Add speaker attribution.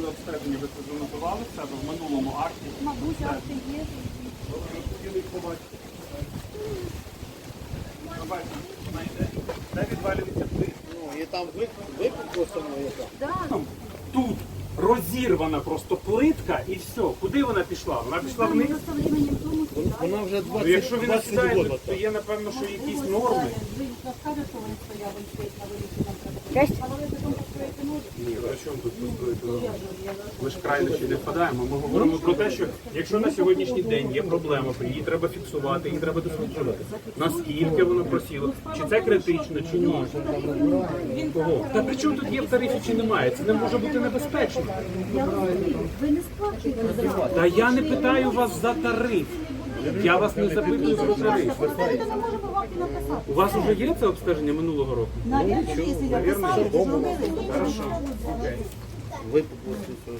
Speaker 1: обстеження ви це занотували в себе в минулому акті?
Speaker 2: Мабуть, акти є.
Speaker 1: Хотіли їх побачити. Побачите, знайде. Де відвалюється плит?
Speaker 3: Ну, і там викуп просто яка.
Speaker 2: Да.
Speaker 1: Тут розірвана просто плитка і все. Куди вона пішла? Вона пішла вниз.
Speaker 2: Просто временем тому
Speaker 3: Вона вже
Speaker 1: Ну, якщо він
Speaker 3: 20
Speaker 1: сідає,
Speaker 3: років.
Speaker 1: то є, напевно, що якісь норми.
Speaker 2: Ви розкажете, що вони стояли і стоять на вулиці, там треба. А вони потім построїти можуть?
Speaker 1: Ні, при чому тут построїти норми? Ми ж крайнощі не впадаємо. Ми говоримо про те, що якщо на сьогоднішній день є проблема, то її треба фіксувати, її треба досліджувати. Наскільки воно просіло, чи це критично, чи ні. Кого? Та при чому тут є в тарифі, чи немає? Це не може бути небезпечно.
Speaker 2: Я розумію, ви не сплачуєте за це.
Speaker 1: Та я не питаю вас за тариф. Я вас не запитую про тариф.
Speaker 2: Просто ми не можемо вам і написати.
Speaker 1: У вас вже є це обстеження минулого року?
Speaker 2: Навірно, якщо написали, то зробили.
Speaker 1: Хорошо.
Speaker 3: Викуп просто.